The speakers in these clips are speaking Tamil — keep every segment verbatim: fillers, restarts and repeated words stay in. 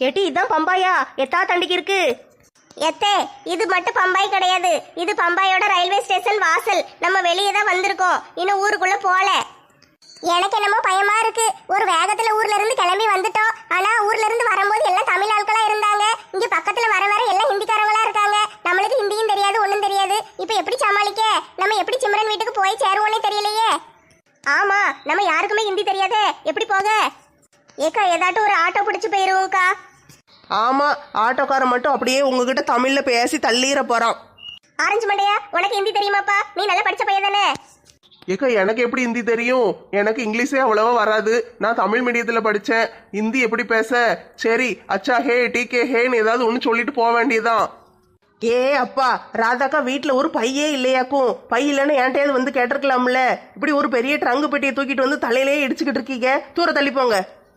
ஏட்டி இதான் பம்பாயா? எத்தா தண்டிக்கு இருக்கு? எத்தே இது மட்டும் பம்பாய் கிடையாது, இது பம்பாயோட ரயில்வே ஸ்டேஷன் வாசல். நம்ம வெளியே தான் வந்திருக்கோம், இன்னும் ஊருக்குள்ள போல. எனக்கு என்னமோ பயமா இருக்கு. ஒரு வேகத்துல ஊர்ல இருந்து கிளம்பி வந்துட்டோம். ஆனா ஊர்ல இருந்து வரும்போது எல்லாம் தமிழ் ஆட்களா இருந்தாங்க. இங்க பக்கத்துல வர வர எல்லாம் ஹிந்திக்காரங்களா இருக்காங்க. நம்மளுக்கு ஹிந்தியும் தெரியாது, ஒண்ணும் தெரியாது. இப்ப எப்படி சமாளிக்க? நம்ம எப்படி சிம்ரன் வீட்டுக்கு போய் சேருவோன்னே தெரியலையே. ஆமா, நம்ம யாருக்குமே ஹிந்தி தெரியாதே, எப்படி போக? ஏக்கா ஏதாட்டும் ஒரு ஆட்டோ பிடிச்சு போயிருவோம்க்கா. ஆமா, ஆட்டோக்காரன் மட்டும் அப்படியே உங்ககிட்ட தமிழ்ல பேசி தள்ளிட போறான். ஆரஞ்சு மண்டையா, உனக்கு ஹிந்தி தெரியுமாப்பா? நீ நல்லா படிச்ச பையன் தானே? ஏக்கா எனக்கு எப்படி ஹிந்தி தெரியும்? எனக்கு இங்கிலீஷே அவ்வளவா வராது. நான் தமிழ் மீடியத்தில் படித்தேன். ஹிந்தி எப்படி பேச? சரி அச்சா ஹே டிகே ஹேன்னு ஏதாவது ஒன்று சொல்லிட்டு போக வேண்டியதுதான். ஏ அப்பா, ராதாக்கா வீட்டில் ஒரு பையே இல்லையாக்கும். பை இல்லைன்னு என்கிட்டயாவது வந்து கேட்டிருக்கலாம்ல. இப்படி ஒரு பெரிய ட்ரங்கு பெட்டியை தூக்கிட்டு வந்து தலையிலேயே இடிச்சுக்கிட்டு இருக்கீங்க. தூர தள்ளி போங்க.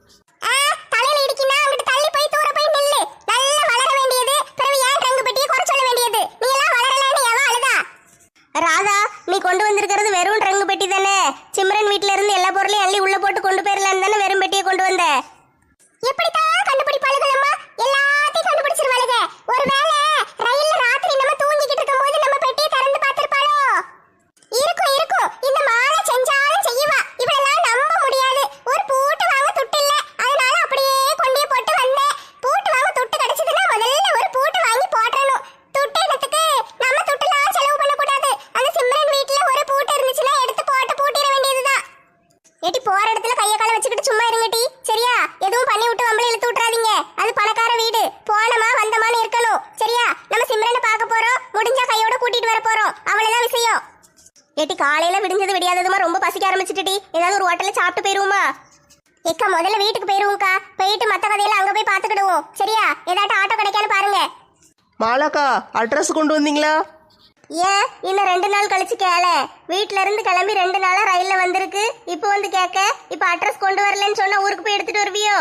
தலையில இடிக்கினா அங்கிட்டு தள்ளி போய் தூர போய் நில்லு. நல்லா வளர வேண்டியது, பிறகு ஏன் ட்ரங்கு பெட்டியை குறை சொல்ல வேண்டியது? நீ எல்லாம் வளரலன்னு எவன் அழுதா? ராதா, நீ கொண்டு வந்திருக்கிறது வெறும் ட்ரங்கு பெட்டி தானே? சிம்ரன் வீட்ல இருந்து எல்லா பொருளையும் அள்ளி உள்ள போட்டு கொண்டு போயிடலான்னு தானே வெறும் பெட்டியை கொண்டு வந்த? எப்படித்தான் கண்டுபிடிப்பாளுகளம்மா? எல்லாத்தையும் கண்டுபிடிச்சிருவாளுக. ஒருவேளை ரயில்ல ராத்திரி நம்ம தூங்கிக்கிட்டு இருக்கும்போது நம்ம பெட்டியை திறந்து பார்த்திருப்பாளோ? இருக்கும் இருக்கும், இந்த மாலை செஞ்சாலும் செய்வா. இவளெல்லாம் நம்ப முடியாது. ஒரு பூட்டு வாங்க துட்டு இல்ல, அதனால அப்படியே கொண்டே போட்டு வந்தேன். பூட்டு வாங்க துட்டு கிடைச்சதுன்னா முதல்ல ஒரு பூட்டு வாங்கி போடணும். துட்டு இடத்துக்கு நம்ம துட்டுலாம் செலவு பண்ணக்கூடாது. அந்த சிம்ரன் வீட்டுல ஒரு பூட்டு இருந்துச்சுன்னா எடுத்து போட்டு பூட்டிட வேண்டியதுதான். ஏட்டி போற இடத்துல கைய கால வச்சுக்கிட்டு சும்மா இருங்கட்டி, சரியா? எதுவும் பண்ணி விட்டு வம்பளை இழுத்து விட்டுறாதீங்க. அது பணக்கார வீடு, போனமா வந்தமான்னு இருக்கணும், சரியா? நம்ம சிம்ரனை பார்க்க போறோம், முடிஞ்சா கையோட கூட்டிட்டு வர போறோம், அவ்வளவுதான் விஷயம். ஏட்டி காலையில விடிஞ்சது விடியாததுமா ரொம்ப பசிக்க ஆரம்பிச்சுட்டி. ஏதாவது ஒரு ஹோட்டல்ல சாப்பிட்டு போயிருவோமா? ஏக்கா முதல்ல வீட்டுக்கு போயிருவோம்க்கா. போயிட்டு மத்த கதையில அங்க போய் பாத்துக்கிடுவோம், சரியா? ஏதாட்டும் ஆட்டோ கிடைக்கான்னு பாருங்க. மாலாக்கா, அட்ரஸ் கொண்டு வந்தீங்களா? ஏன் இன்னும் ரெண்டு நாள் கழிச்சு கேள. வீட்ல இருந்து கிளம்பி ரெண்டு நாளா ரயில்ல வந்திருக்கு, இப்போ வந்து கேட்க. இப்போ அட்ரஸ் கொண்டு வரலன்னு சொன்னா ஊருக்கு போய் எடுத்துட்டு வருவியோ?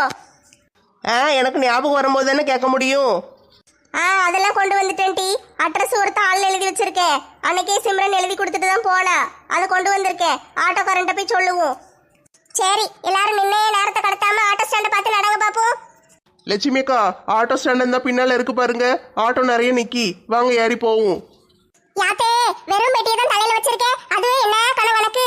ஆ, எனக்கு ஞாபகம் வரும்போது தானே கேட்க முடியும். ஆ, அதெல்லாம் கொண்டு வந்துட்டேன் டி. அட்ரஸ் ஒரு தாள்ல எழுதி வச்சிருக்கேன். அன்னைக்கே சிம்ரன் எழுதி கொடுத்துட்டு தான் போனா. அதை கொண்டு வந்திருக்கேன். ஆட்டோக்காரன்ட்ட போய் சொல்லுவோம். சரி, எல்லாரும் நின்னே நேரத்தை கடத்தாம ஆட்டோ ஸ்டாண்ட பார்த்து நடங்க பாப்போம். லட்சுமிக்கா, ஆட்டோ ஸ்டாண்ட் இருந்தா பின்னால இருக்கு பாருங்க. ஆட்டோ நிறைய நிக்கி, வாங்க ஏறி போவோம். யாத்தே, வெறும் பெட்டியை தான் தலையில வச்சிருக்கேன், அதுவே என்ன கனவு உனக்கு?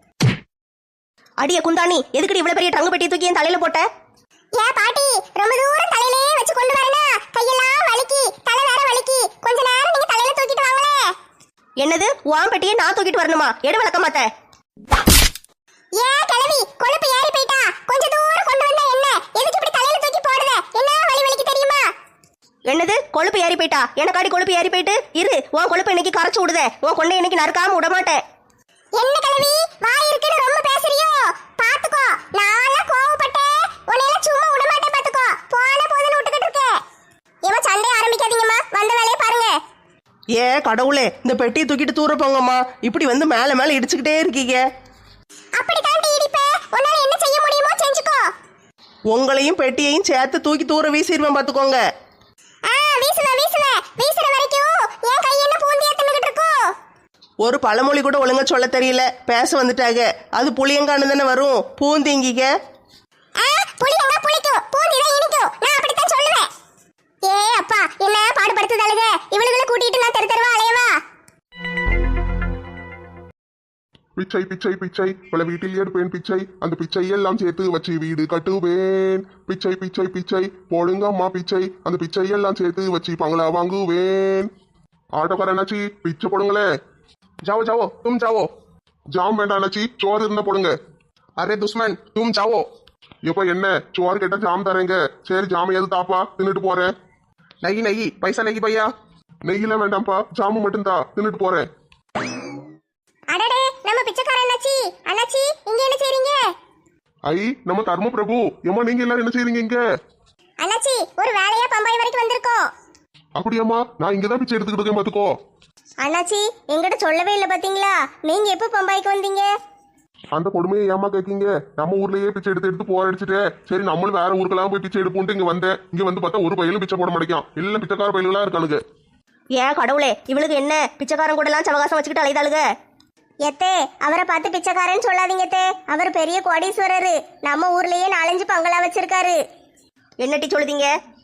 அடிய குந்தாணி, எதுக்கடி இவ்வளவு பெரிய ட்ரங்கு பெட்டியை தூக்கி என் தலையில போட்ட? ஏ பாட்டி, ரொம்ப தூரம் தலையிலே வச்சு கொண்டு வரனா கையெல்லாம் வலிக்கி, தலை வேற வலிக்கி. கொஞ்ச நேரம் நீங்க தலையில தூக்கிட்டு வாங்களே. என்னது, உன் பெட்டியை நான் தூக்கிட்டு வரணுமா? எடு வளர்க்க மாட்டேன். ஏ கிழவி, கொழுப்பு ஏறி போயிட்டா. கொஞ்ச தூரம் கொண்டு வந்தா என்ன? எதுக்கு இப்படி தலையில தூக்கி போடுற? என்ன வலி வலிக்கு தெரியுமா? என்னது, கொழுப்பு ஏறி போயிட்டா? எனக்காடி கொழுப்பு ஏறி போயிட்டு இரு. உன் கொழுப்பு இன்னைக்கு கரைச்சு விடுதே. உன் கொண்டை இன்னைக்கு நறுக்காம விட மாட்டேன். என்ன கிழவி, வாய் இருக்குன்னு ரொம்ப பேசுறியோ? பாத்துக்கோ, நாளா கோவப்பட்டேன், உன்னையில சும்மா விட மாட்டேன். பாத்துக்கோ, போன போதுன்னு விட்டுக்கிட்டு இருக்கேன். ஏமா சண்டை ஆரம்பிக்காதீங்கம்மா, வந்த வேலையை பாருங்க. ஏ கடவுளே, இந்த பெட்டியை தூக்கிட்டு தூர போங்கம்மா. இப்படி வந்து மேல மேல இடிச்சுக்கிட்டே இருக்கீங்க. அப்படி தாண்டி இடிப்பே, உன்னால என்ன செய்ய முடியுமோ செஞ்சுக்கோ. உங்களையும் பெட்டியையும் சேர்த்து தூக்கி தூர வீசிடுவேன் பாத்துக்கோங்க. ஆ, வீசுவே வீசுவே, வீசுற வரைக்கும் என் கை என்ன பூந்தியா தின்னுகிட்டு இருக்கும். ஒரு பழமொழி கூட ஒழுங்கா சொல்ல தெரியல, பேச வந்துட்டாங்க. அது புளியங்கானு தானே வரும், பூந்திங்கிக்க. ஆ, புளியங்க புளிக்கும், பூந்தி தான் இனிக்கும். நான் அப்படித்தான் சொல்லுவேன். ஏ அப்பா, என்ன பாடுபடுத்துதாளுக. இவளுகளை கூட்டிட்டு நான் தெரு தெருவா அலையவா? பிச்சை பிச்சை பிச்சை பல வீட்டில் எடுப்பேன் பிச்சை, அந்த பிச்சை எல்லாம் சேர்த்து வச்சு வீடு கட்டுவேன். பிச்சை பிச்சை பிச்சை போடுங்க அம்மா பிச்சை, அந்த பிச்சை எல்லாம் சேர்த்து வச்சு பங்களா வாங்குவேன். ஆட்டோக்கார அண்ணாச்சி, பிச்சை போடுங்களே. जाओ जाओ तुम जाओ. ஜாம் வேண்டாம் அண்ணாச்சி, சோறு இருந்தா போடுங்க. अरे दुश्मन तुम जाओ. எப்ப என்ன சோறு கேட்டா ஜாம் தரேங்க. சரி ஜாம் எது தாப்பா, தின்னுட்டு போறேன். नहीं नहीं पैसा नहीं भैया. நெய்யெல்லாம் வேண்டாம்ப்பா, ஜாமு மட்டும் தா, தின்னுட்டு போறேன். அடடே, நம்ம பிச்சைக்கார அண்ணாச்சி. அண்ணாச்சி, இங்க என்ன செய்றீங்க? ஐ, நம்ம தர்ம பிரபு. ஏமா நீங்க எல்லாரும் என்ன செய்றீங்க இங்க? அண்ணாச்சி, ஒரு வேலையா பம்பாய் வரைக்கும் வந்திருக்கோம். அப்படியாம்மா, நான் இங்கதான் பிச்சை எடுத்துக்கிட்டு இருக்கேன் பாத்துக்கோ. அண்ணாச்சி, எங்கிட்ட சொல்லவே இல்லை பாத்தீங்களா? நீங்க எப்போ பம்பாய்க்கு வந்தீங்க? அந்த கொடுமையை ஏமா கேட்கீங்க? நம்ம ஊர்லயே பிச்சை எடுத்து எடுத்து போர் அடிச்சுட்டு, சரி நம்மளும் வேற ஊருக்கெல்லாம் போய் பிச்சை எடுப்போம்ட்டு இங்க வந்தேன். இங்க வந்து பார்த்தா ஒரு பயிலும் பிச்சை போட மாட்டேங்கான். எல்லாம் பிச்சைக்கார பயிலுகளா இருக்கானுங்க. ஏன் கடவுளே, இவளுக்கு என்ன பிச்சைக்காரன் கூட எல்லாம் சவகாசம் வச்சுக்கிட்டு அலைதாளுக? எத்தே, அவரை பார்த்து பிச்சைக்காரன்னு சொல்லாதீங்க தே. அவர் பெரிய கோடீஸ்வரரு. நம்ம ஊர்லயே நாலஞ்சு பங்களா வச்சிருக்காரு. என்னட்டி சொல்லுதீங்க?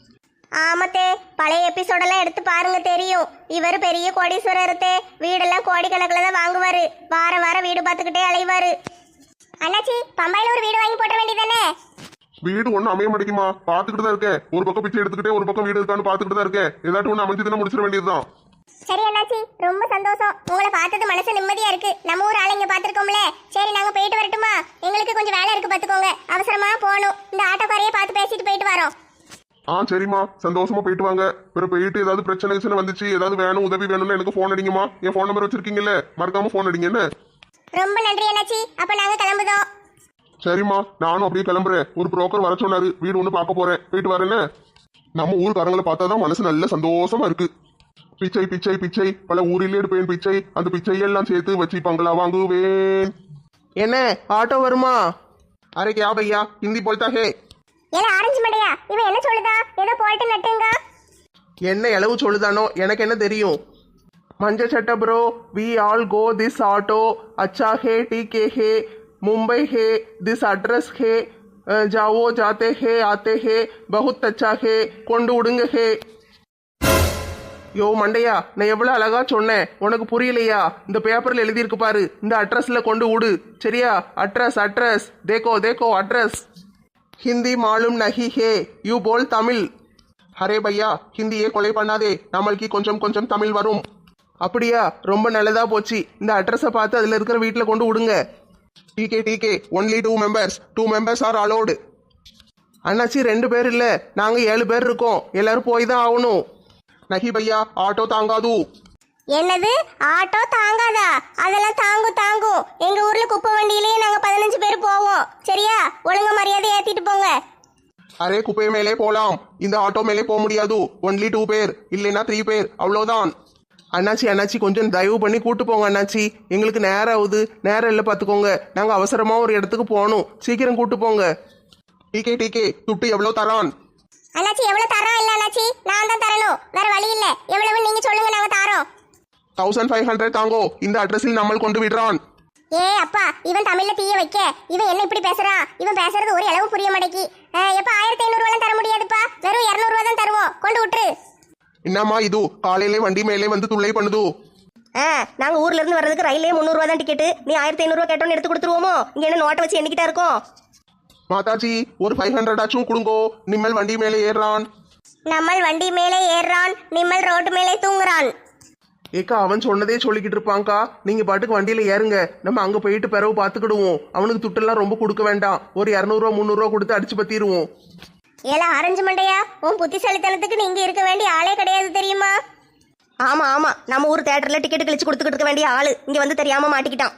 ஆமத்தே, பழைய எபிசோடெல்லாம் எடுத்து பாருங்க தெரியும். இவர் பெரிய கோடீஸ்வரர்த்தே, வீடெல்லாம் கோடிக்கணக்கில் தான் வாங்குவாரு. வார வாரம் வீடு பார்த்துக்கிட்டே அலைவாரு. அண்ணாச்சி, பம்பாயில ஒரு வீடு வாங்கி போட்ட வேண்டியதானே? வீடு ஒன்றும் அமைய மாட்டேங்குமா? பார்த்துக்கிட்டு தான் இருக்கேன். ஒரு பக்கம் பிச்சை எடுத்துக்கிட்டே ஒரு பக்கம் வீடு இருக்கான்னு பார்த்துக்கிட்டு தான் இருக்கேன். ஏதாட்டும் ஒன்று அமைஞ்சதுன்னா முடிச்சிட வேண்டியதுதான். சரி அண்ணாச்சி, ரொம்ப சந்தோஷம். உங்களை பார்த்தது மனசு நிம்மதியா இருக்கு. நம்ம ஊர் ஆளுங்க பார்த்துருக்கோம்ல. சரி, நாங்க போயிட்டு வரட்டுமா? எங்களுக்கு கொஞ்சம் வேலை இருக்கு, பார்த்துக்கோங்க. அவசரமா போகணும். இந்த ஆட்டோக்காரையே பார்த்து பேசிட்டு போயிட்டு வரோம். ஆ சரிம்மா, சந்தோஷமா போயிட்டு வாங்க. பிறகு போயிட்டு ஏதாவது பிரச்சனை பிரச்சனை வந்துச்சு, ஏதாவது வேணும் உதவி வேணும்னு எனக்கு ஃபோன் அடிங்கம்மா. என் ஃபோன் நம்பர் வச்சிருக்கீங்கல்ல, மறக்காம ஃபோன் அடிங்க என்ன? ரொம்ப நன்றி அண்ணாச்சி. அப்ப நாங்க கிளம்புதோம். சரிம்மா, நானும் அப்படியே கிளம்புறேன். ஒரு புரோக்கர் வர சொன்னாரு, வீடு ஒன்று பார்க்க போறேன். போயிட்டு வரேன்னு. நம்ம ஊர்காரங்களை பார்த்தா தான் மனசு நல்ல சந்தோஷமா இருக்கு. பிச்சை பிச்சை பிச்சை, பல ஊரிலே எடுப்பேன் பிச்சை, அந்த பிச்சையெல்லாம் சேர்த்து வச்சு பங்களா வாங்குவேன். என்ன ஆட்டோ வருமா? அரே கே பையா, ஹிந்தி போல்தா ஹே? ஏல ஆரஞ்சு மண்டையா, இவன் என்ன சொல்லுதா? ஏதோ போயிட்டு நட்டுங்க. என்ன இளவு சொல்லுதானோ, எனக்கு என்ன தெரியும். மஞ்ச சட்ட bro, we all go this auto, அச்சா ஹே, டி கே ஹே, मुंबई है, दिस एड्रेस है, जाओ जाते हैं आते हैं, बहुत अच्छा है, கொண்டு விடுங்க ஹே. யோ மண்டையா, நான் எவ்வளோ அழகா சொன்னேன், உனக்கு புரியலையா? இந்த பேப்பரில் எழுதியிருக்கு பாரு, இந்த அட்ரஸில் கொண்டு விடு. சரியா? அட்ரஸ் அட்ரஸ் தேக்கோ தேக்கோ அட்ரஸ். ஹிந்தி மாலும் நஹி ஹே, யூ போல் தமிழ். அரே பையா, ஹிந்தியே கொலை பண்ணாதே, நம்மளுக்கு கொஞ்சம் கொஞ்சம் தமிழ் வரும். அப்படியா? ரொம்ப நல்லதா போச்சு. இந்த அட்ரஸை பார்த்து அதில் இருக்கிற வீட்டில் கொண்டு விடுங்க. டிகே டிகே, only two members, two members are allowed. அண்ணாச்சி, ரெண்டு பேர் இல்ல, நாங்க ஏழு பேர் இருக்கோம். எல்லாரும் போய் தான் ஆகணும். நஹி பையா, ஆட்டோ தாங்காது. என்னது? ஆட்டோ தாங்காதா? அதெல்லாம் தாங்கும் தாங்கும். எங்க ஊர்ல குப்பை வண்டியிலேயே நாங்க பதினஞ்சு பேர் போவோம். சரியா? ஒழுங்க மரியாதை ஏத்திட்டு போங்க. அரே குப்பை மேலே போலாம், இந்த ஆட்டோ மேலே போக முடியாது. ஒன்லி டூ பேர், இல்லைன்னா த்ரீ பேர், அவ்வளோதான். அண்ணாச்சி அண்ணாச்சி, கொஞ்சம் தயவு பண்ணி கூட்டு போங்க அண்ணாச்சி. எங்களுக்கு நேரம் ஆகுது. நேரம் இல்லை பார்த்துக்கோங்க. நாங்கள் அவசரமாக ஒரு இடத்துக்கு போகணும். சீக்கிரம் கூட்டு போங்க. டிகே டிகே, துட்டு எவ்வளோ தரான்? அண்ணாச்சி, எவ்வளவு தரோம்? இல்ல அண்ணாச்சி, நான் தான் தரணும். வேற வழி இல்ல. எவ்வளவு நீங்க சொல்லுங்க, நாங்க தரோம். தௌசண்ட் ஃபைவ் ஹண்ட்ரட் தாங்கோ. இந்த அட்ரஸில் நம்ம கொண்டு விடுறான். ஏ அப்பா, இவன் தமிழ்ல தீய வைக்க. இவன் என்ன இப்படி பேசுறான்? இவன் பேசுறது ஒரு அளவு புரிய மாட்டேங்கி. எப்ப ஆயிரத்தி ஐநூறு ரூபாய் தர முடியாதுப்பா. வெறும் இருநூறு ரூபாய் தான் தருவோம். கொண்டு விட்டுரு. என்னம்மா இது, காலையிலே வண்டி மேலே வந்து துளை பண்ணுது. ஆ, நாங்க ஊர்ல இருந்து வர்றதுக்கு ரயிலே முந்நூறுவா தான் டிக்கெட்டு. நீ ஆயிரத்தி ஐநூறுவா கேட்டோன்னு எடுத்து கொடுத்துருவோமோ? இங்க என்ன நோட்டை வச்சு எண்ணிக்கிட்டா இருக்கோம்? மாதாஜி, ஒரு ஃபைவ் ஹண்ட்ரட் ஆச்சும் கொடுங்கோ. நிம்மல் வண்டி மேலே ஏறான். நம்மள் வண்டி மேலே ஏறான், நிம்மல் ரோட்டு மேலே தூங்குறான். ஏக்கா, அவன் சொன்னதே சொல்லிக்கிட்டு இருப்பாங்க்கா. நீங்க பாட்டுக்கு வண்டியில ஏறுங்க. நம்ம அங்க போயிட்டு பிறகு பாத்துக்கிடுவோம். அவனுக்கு துட்டெல்லாம் ரொம்ப கொடுக்க வேண்டாம். ஒரு இரநூறுவா முந்நூறுவா கொடுத்து அடிச்சு பத்திடுவோம். ஏல ஆரஞ்சு மண்டையா, உன் புத்திசாலித்தனத்துக்கு நீங்க இருக்க வேண்டிய ஆளே கிடையாது தெரியுமா? ஆமா ஆமா, நம்ம ஊர் தியேட்டர்ல டிக்கெட் கிழிச்சு கொடுத்துக்கிட்டு இருக்க வேண்டிய ஆளு இங்க வந்து தெரியாம மாட்டிக்கிட்டான்.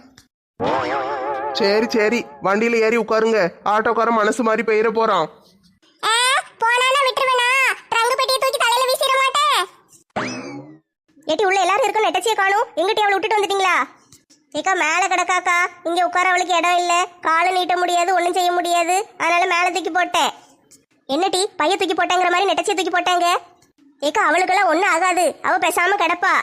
சரி சரி, வண்டியில ஏறி உட்காருங்க. ஆட்டோக்காரன் மனசு மாதிரி பெயர போறான். போனா விட்டுருவேனா? ட்ரங்கு பெட்டியை தூக்கி தலையில வீசிட மாட்டேன். ஏட்டி, உள்ள எல்லாரும் இருக்க நெட்டச்சியை காணும். எங்கிட்ட அவளை விட்டுட்டு வந்துட்டீங்களா? ஏக்கா, மேல கிடக்காக்கா. இங்க உட்கார அவளுக்கு இடம் இல்ல. காலை நீட்ட முடியாது, ஒன்னும் செய்ய முடியாது. அதனால மேல தூக்கி போட்டேன். என்ன டீ, பைய தூக்கி போட்டாங்கிற மாதிரி நெட்டச்சியை தூக்கி போட்டாங்க? ஏக்கா, அவளுக்கெல்லாம் ஒன்னும் ஆகாது. அவ பேசாம கிடப்பா.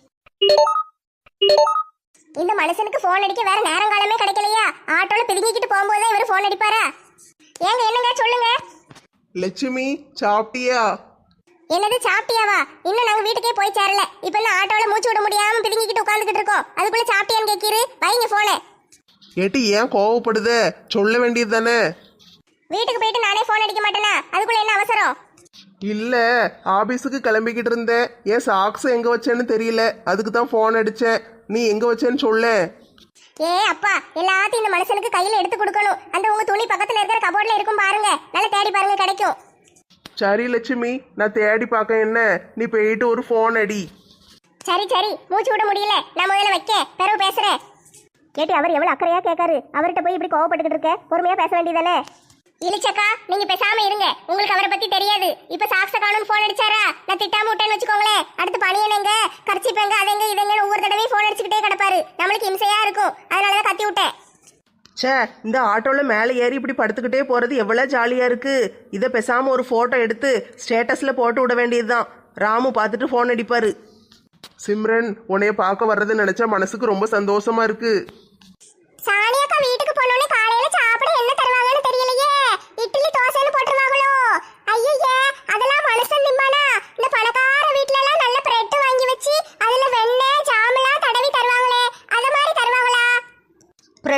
இந்த மனுஷனுக்கு போன் அடிக்க வேற நேரங்காலமே கிடைக்கலையா? ஆட்டோல பிதுங்கிக்கிட்டு போகும்போது இவரு போன் அடிப்பாரா? ஏங்க, என்னங்க சொல்லுங்க. லட்சுமி, சாப்பிட்டியா? என்னது சாப்பிட்டியாவா? இன்னும் நாங்க வீட்டுக்கே போய் சேரல. இப்ப என்ன ஆட்டோல மூச்சு விட முடியாம பிதுங்கிக்கிட்டு உட்காந்துக்கிட்டு இருக்கோம். அதுக்குள்ள சாப்பிட்டியான்னு கேட்கிரு. வைங்க போனே. ஏட்டி, ஏன் கோவப்படுத? சொல்ல வேண்டியது தானே. வீட்டுக்கு போயிட்டு நானே போன் அடிக்க மாட்டேனா? அதுக்குள்ள என்ன அவசரம்? இல்ல, ஆபீஸுக்கு கிளம்பிக்கிட்டு இருந்தேன். ஏன் சாக்ஸ் எங்க வச்சேன்னு தெரியல, அதுக்கு தான் போன் அடிச்சேன். நீ எங்க வச்சேன்னு சொல்ல. ஏ அப்பா, எல்லாத்தையும் இந்த மனுஷனுக்கு கையில எடுத்து கொடுக்கணும். அந்த உங்க துணி பக்கத்துல இருக்கிற கபோர்ட்ல இருக்கும் பாருங்க. நல்லா தேடி பாருங்க, கிடைக்கும். சரி லட்சுமி, நான் தேடி பார்க்க. என்ன, நீ போயிட்டு ஒரு போன் அடி. சரி சரி, மூச்சு விட முடியல. நான் முதல்ல வைக்க, பிறகு பேசுறேன். கேட்டி, அவர் எவ்வளவு அக்கறையா கேட்காரு. அவர்கிட்ட போய் இப்படி கோவப்பட்டுக்கிட்டு இருக்க? பொறுமையா பேச வேண்டியதானே? இலிச்சக்கா, நீங்க பேசாம இருங்க. உங்களுக்கு அவரை பத்தி தெரியாது. இப்ப சாக்ஸ காணும் போன் அடிச்சாரா? நான் திட்டாம விட்டேன்னு வச்சுக்கோங்களேன். அடுத்து பணியனங்க கர்ச்சிப்பேங்க அதெங்க இதெங்க ஒவ்வொரு தடவையும் போன் அடிச்சுக்கிட்டே கிடப்பாரு. நம்மளுக்கு இம்சையா இருக்கும். அதனாலதான் கத்தி விட்டேன். சே, இந்த ஆட்டோல மேலே ஏறி இப்படி படுத்துக்கிட்டே போறது எவ்வளவு ஜாலியா இருக்கு. இதை பேசாம ஒரு போட்டோ எடுத்து ஸ்டேட்டஸ்ல போட்டு விட வேண்டியதுதான். ராமு பார்த்துட்டு போன் அடிப்பாரு. சிம்ரன், உன்னைய பார்க்க வர்றது நினைச்சா மனசுக்கு ரொம்ப சந்தோஷமா இருக்கு. சாணியக்கா வீட்டுக்கு போனோனே காலையில சாப்பிட என்ன தருவாங்கன்னு தெரியலையே. இட்லி தோசைன்னு போட்டுருவாங்களோ? ஐயே, அதெல்லாம் மனுஷன் நிம்மா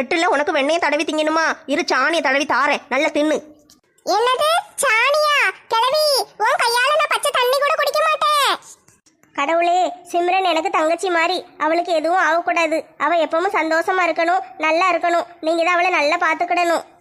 லெட்டுல உனக்கு வெண்ணையை தடவி திங்கணுமா? இரு சாணியை தடவி தாரேன், நல்லா தின்னு. என்னது சாணியா? கிழவி, உன் கையால நான் பச்சை தண்ணி கூட குடிக்க மாட்டேன். கடவுளே, சிம்ரன் எனக்கு தங்கச்சி மாதிரி, அவளுக்கு எதுவும் ஆகக்கூடாது. அவ எப்பவும் சந்தோஷமா இருக்கணும், நல்லா இருக்கணும். நீங்க தான் அவளை நல்லா பாத்துக்கிடணும்.